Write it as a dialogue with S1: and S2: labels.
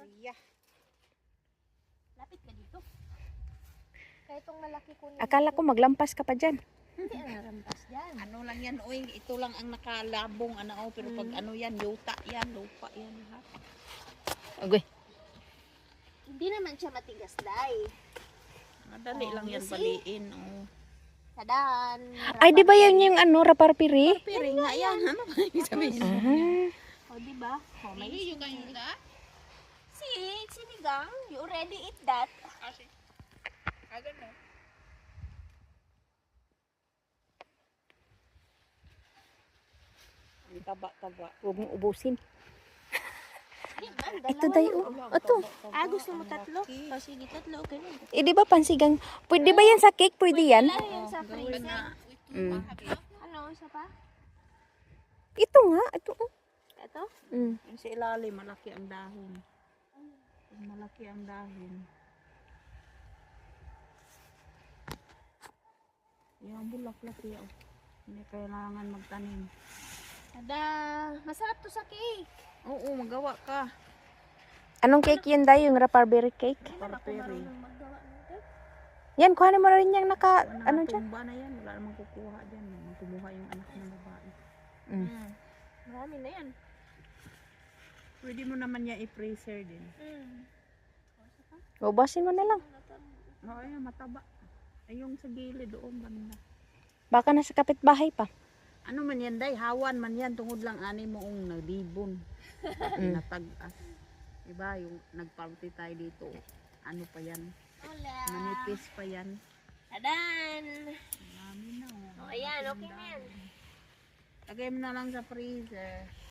S1: Maria.
S2: Lapit ka dito. Kaya itong malaki ko na.
S3: Akala ko maglampas ka pa dyan.
S2: Hindi narampas dyan.
S1: Ano lang yan, oy, ito lang ang nakalabong, ano, pero pag ano yan, yuta yan, lupa yan, ha?
S3: Agoy.
S2: Hindi naman siya matigas, Day.
S1: Madali lang yan
S2: you see?
S1: baliin, oh.
S2: Tadan.
S3: Ay, di ba yan yung ano, raparpiri?
S1: Pero nga yan, ano ba yung sabihin?
S3: Ah.
S2: O, diba? O, may
S1: Hindi yung ganyan na?
S2: sinigang. You already eat that.
S1: Kasi, gano'n. Ang taba-taba.
S3: Huwag mong ubusin.
S2: Ito,
S3: Ito tayo. Ito.
S2: gusto mo tatlo? O, sige, tatlo. Okay na.
S3: Eh, di ba pansigang? Pwede ba yan sa cake? Pwede yan?
S2: Wala yan sa freezer.
S3: Mm.
S2: Ano, isa pa?
S3: Ito nga. Ito. Oh.
S2: Ito?
S3: Mm.
S1: Yung sa ilalim, malaki ang dahon. Pag malaki ang dahon. Yung bulaklak yan. Hindi kailangan magtanim.
S2: Tada! Masarap to sa cake.
S1: Oo, magawa ka.
S3: Anong cake yun, Day? Yung raparberry cake?
S2: Hindi naman ako
S1: Parperi.
S2: marunong maggawa ng cake.
S3: Yan, kuhanin mo rin yung naka, ano dyan?
S1: Tumba na yan. Wala namang kukuha dyan. Tumuha yung anak ng babae.
S3: Mm.
S2: Marami na yan.
S1: Pwede mo naman niya i-freezer din.
S3: Ubasin mo na lang.
S1: Oo, ayun, mataba. Ay, yung sa gilid doon, banda.
S3: Baka nasa kapitbahay pa.
S1: Ano man yan, Day? Hawan man yan. Tungod lang ani moong nagdibon. Natag-as. Diba, yung nagparty tayo dito. Ano pa yan?
S2: Hola!
S1: Manipis pa yan.
S2: Tadan!
S1: Marami na.
S2: O, ayan. Okay na yan.
S1: Lagay mo na lang sa freezer.